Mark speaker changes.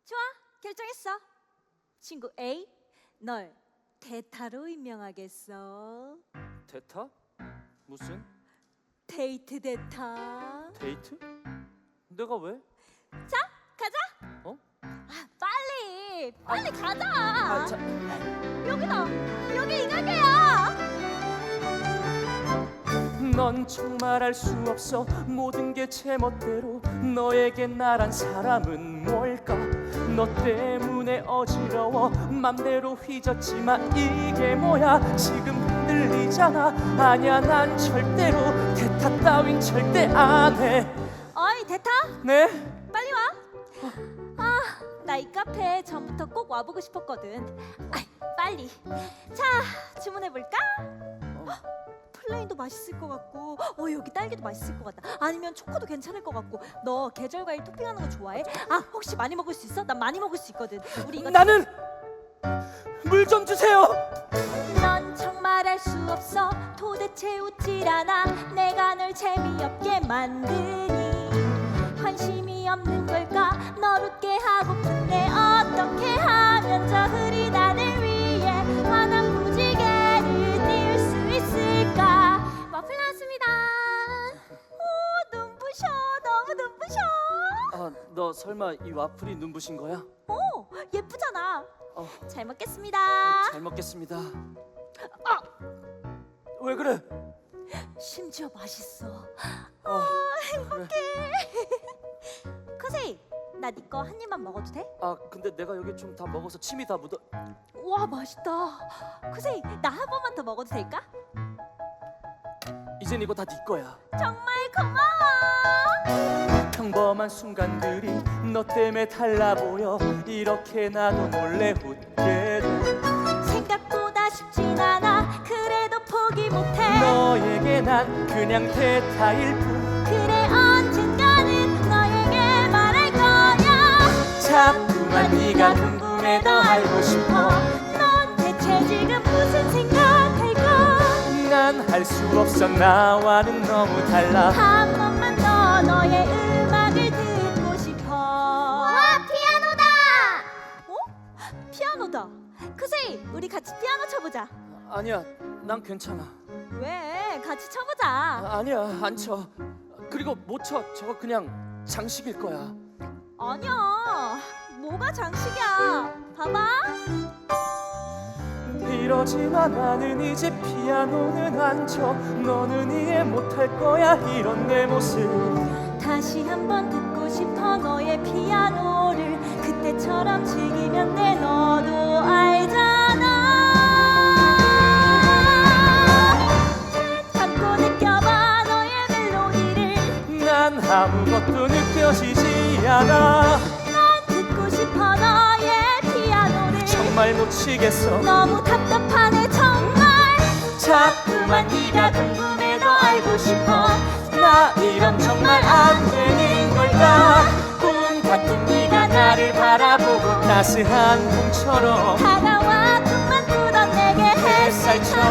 Speaker 1: 좋아, 결정했어. 친구 A, 널 대타로 임명하겠어.
Speaker 2: 대타? 무슨
Speaker 1: 데이트 대타.
Speaker 2: 데이트? 내가 왜?
Speaker 1: 자, 가자.
Speaker 2: 어?
Speaker 1: 빨리 가자.
Speaker 2: 자,
Speaker 1: 여기다. 여기 이 가게야.
Speaker 2: 넌 정말 알 수 없어. 모든 게 제 멋대로. 너에게 나란 사람은 뭘까? 너 때문에 어지러워. 맘대로 휘젓지마. 이게 뭐야? 지금 흔들리잖아. 아니야, 난 절대로 대타 따윈 절대 안 해.
Speaker 1: 어이, 대타.
Speaker 2: 네?
Speaker 1: 빨리 와. 아, 나 이 카페 전부터 꼭 와보고 싶었거든. 빨리. 자, 주문해볼까? 플레인도 맛있을 것 같고, 여기 딸기도 맛있을 것 같다. 아니면 초코도 괜찮을 것 같고. 너 계절 과일 토핑하는 거 좋아해? 혹시 많이 먹을 수 있어? 난 많이 먹을 수 있거든. 우리 이거.
Speaker 2: 나는 물 좀 주세요.
Speaker 1: 넌 정말 알 수 없어. 도대체 웃질 않아. 내가 널 재미없게 만드니 관심이 없는 걸까? 널 웃게 하고픈데 어떻게 하면 저 흐린 하늘 위에 환한 무지개를 띄울 수 있을까? 와플 나왔습니다. 오, 눈부셔. 너무 눈부셔.
Speaker 2: 너 설마 이 와플이 눈부신 거야?
Speaker 1: 오, 예쁘잖아. 잘 먹겠습니다.
Speaker 2: 잘 먹겠습니다. 왜 그래?
Speaker 1: 심지어 맛있어.
Speaker 2: 행복해.
Speaker 1: 커세이, 나 네 거 한 입만 먹어도 돼?
Speaker 2: 근데 내가 여기 좀 다 먹어서 침이 다 묻어.
Speaker 1: 와, 맛있다. 커세이, 나 한 번만 더 먹어도 될까?
Speaker 2: 이젠 이거 다 네 거야.
Speaker 1: 정말 고마워.
Speaker 2: 평범한 순간들이 너 때문에 달라 보여. 이렇게 나도 몰래 웃게 돼.
Speaker 1: 생각보다 쉽진 않아. 그래도 포기 못해.
Speaker 2: 너에게 난 그냥 대타일 뿐.
Speaker 1: 그래, 언젠가는 너에게 말할 거야.
Speaker 2: 자꾸만 네가 궁금해 더 알고 싶어.
Speaker 1: 넌 대체 지금 무슨 생각할까?
Speaker 2: 난 할 수 없어. 나와는 너무 달라.
Speaker 1: 한 번만 더 너의 음악을 듣고 싶어. 와, 피아노다. 피아노다. 크세이, 우리 같이 피아노 쳐보자.
Speaker 2: 아니야, 난 괜찮아.
Speaker 1: 왜? 같이 쳐보자.
Speaker 2: 아니야, 안 쳐. 그리고 못 쳐. 저거 그냥 장식일 거야.
Speaker 1: 아니야. 뭐가 장식이야. 봐봐.
Speaker 2: 이러지만 나는 이제 피아노는 안 쳐. 너는 이해 못할 거야, 이런 내 모습.
Speaker 1: 다시 한번 듣고 싶어 너의 피아노를. 그때처럼 즐기면 돼. 너도 알잖아. 담고 느껴봐 너의 멜로디를.
Speaker 2: 난 아무것도 느껴지지 않아.
Speaker 1: 난 듣고 싶어 너의 피아노를.
Speaker 2: 정말 놓치겠어.
Speaker 1: 너무 답답하네 정말.
Speaker 2: 자꾸만 네가 궁금해 더 알고 싶어. 나 이런 정말 안 되는 걸까? 꿈 같은 네가 나를 바라보고 따스한 봄처럼
Speaker 1: 다가와 꿈만 꾸던 내게
Speaker 2: 햇살처럼